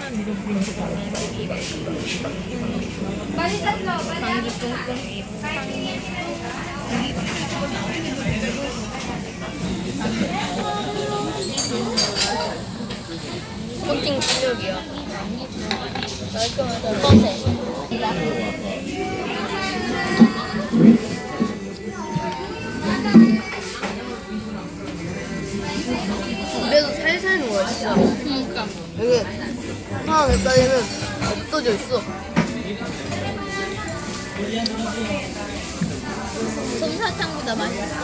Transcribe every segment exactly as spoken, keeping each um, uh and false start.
코팅 실력이야. 깔끔하다. 어떠세? 입에서 살살 녹아 진짜. 그러니까 여기 하나 냈다니는 없어져 있어. 솜사탕보다 맛있어.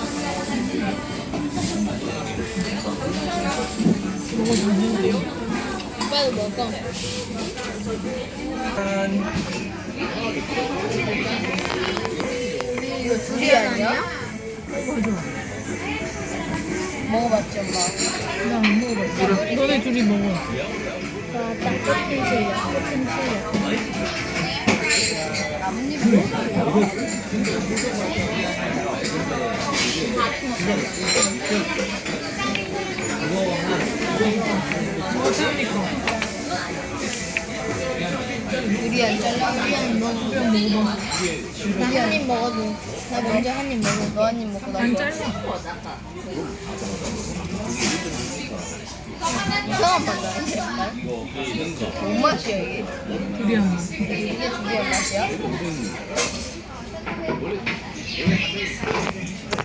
오빠도 먹어. 이거 두리안 아니야? 먹어봤지 엄마? 나 안 먹어봤어. 너네 둘이 먹어. 딱 코팅 실력. 코팅 실력. 나뭇잎 두리안 잘라. 두리안 먹어. 두리안 먹어봐. 나 한 입 먹어도. 나 먼저 한 입 먹어. 너 한 입 먹고 나 안 이거. 잘라. 이상한 맛 나는데? 뭔 맛이야 이게? 두리안 맛. 이게 두리안 맛이야?